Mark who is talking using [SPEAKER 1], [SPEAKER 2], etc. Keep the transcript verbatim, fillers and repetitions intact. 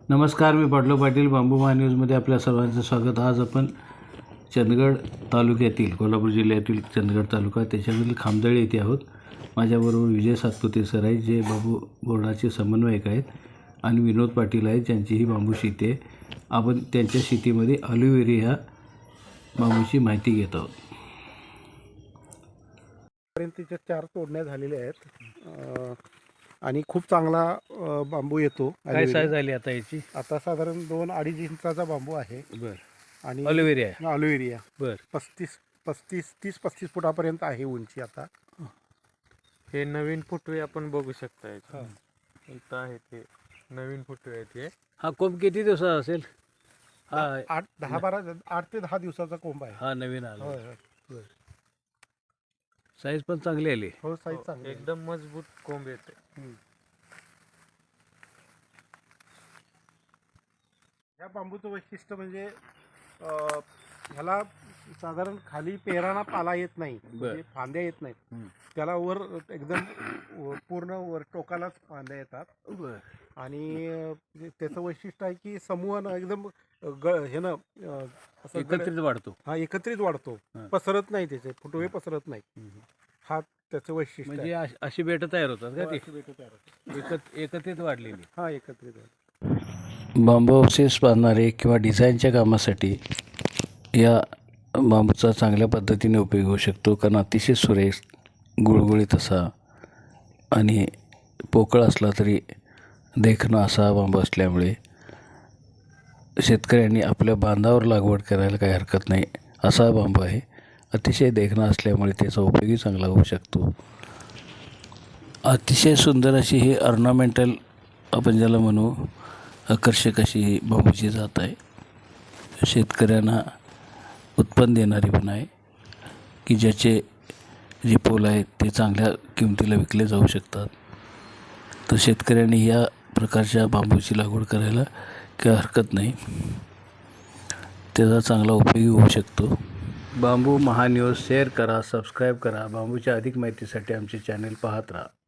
[SPEAKER 1] नमस्कार, मी पाटलो पाटील बांबू महान्यूजमध्ये आपल्या सर्वांचं स्वागत. आज आपण चंदगड तालुक्यातील कोल्हापूर जिल्ह्यातील चंदगड तालुका त्याच्यामधील खामदळी येथे आहोत. माझ्याबरोबर विजय सातपुते सर आहेत, जे बांबू बोर्डाचे समन्वयक आहेत, आणि विनोद पाटील आहेत, ज्यांची ही बांबू शेती आहे. आपण त्यांच्या शेतीमध्ये ऑलिव्हेरी ह्या बांबूची माहिती घेत आहोत.
[SPEAKER 2] पर्यंतच्या चार तोडण्या झालेल्या आहेत आणि खूप चांगला अ, बांबू येतो.
[SPEAKER 1] काय साईज झाली आता याची?
[SPEAKER 2] आता साधारण दोन अडीच इंचाचा बांबू आहे.
[SPEAKER 1] बरं.
[SPEAKER 2] आणि
[SPEAKER 1] ऑलिव्हेरी आहे.
[SPEAKER 2] ऑलिव्हेरी
[SPEAKER 1] बरं.
[SPEAKER 2] पस्तीस पस्तीस तीस पस्तीस फुटापर्यंत आहे उंची. आता
[SPEAKER 3] हे नवीन फुटवे आपण बघू शकता. इथं आहे ते नवीन फुटवे आहेत हे.
[SPEAKER 1] हा कोंब किती दिवसाचा असेल? हा
[SPEAKER 2] आठ दहा बारा आठ ते दहा दिवसाचा कोंब आहे.
[SPEAKER 1] हा नवीन आला.
[SPEAKER 2] होय होय.
[SPEAKER 1] साईज पण चांगली आली.
[SPEAKER 2] हो, साईज चांगली आहे.
[SPEAKER 3] एकदम मजबूत कोंब येते.
[SPEAKER 2] हम्म. ह्या बांबूचं वैशिष्ट्य म्हणजे अ, ह्याला साधारण खाली पेराना पाला येत नाही, म्हणजे फांद्या येत नाहीत. त्याला वर एकदम व- पूर्ण वर टोकालाच फांद्या येतात. आणि अ, त्याचं वैशिष्ट्य आहे की समूहानं एकदम ग हे ना असं गड-
[SPEAKER 1] एकत्रित वाढतो.
[SPEAKER 2] हा एकत्रित वाढतो,
[SPEAKER 1] हा.
[SPEAKER 2] पसरत नाही, त्याचे फुटवे पसरत नाही. हा त्याचं वैशिष्ट्य
[SPEAKER 1] म्हणजे
[SPEAKER 2] आहे.
[SPEAKER 1] अश- अशी बेटं तयार होतात का
[SPEAKER 2] हो,
[SPEAKER 1] ती?
[SPEAKER 2] अशी बेटं तयार होतात.
[SPEAKER 1] एकत एकत्रित वाढलेली.
[SPEAKER 2] हा एकत्रित आहे.
[SPEAKER 1] बांबू अवशेष बांधणारे किंवा डिझाईनच्या कामासाठी या बांबूचा चांगल्या पद्धतीने उपयोग होऊ शकतो, कारण अतिशय सुरेख, गुळगुळीत असा आणि पोकळ असला तरी देखणा असा बांबू असल्यामुळे शेतकऱ्यांनी आपल्या बांधावर लागवड करायला काही हरकत नाही. असा बांबू आहे. अतिशय देखणा असल्यामुळे त्याचा उपयोगही चांगला होऊ शकतो. अतिशय सुंदर अशी ही ऑर्नामेंटल, आपण ज्याला म्हणू आकर्षक अशी ही बांबूची जात आहे. शेतकऱ्यांना उत्पन्न देणारी पण आहे, की ज्याचे जे पोल आहेत ते चांगल्या किमतीला विकले जाऊ शकतात. तर शेतकऱ्यांनी या प्रकारच्या बांबूची लागवड करायला काही हरकत नाही. त्याचा चांगला उपयोग होऊ शकतो. बांबू महान्यूज शेअर करा, सबस्क्राईब करा. बांबूच्या अधिक माहितीसाठी आमचे चॅनल पाहत राहा.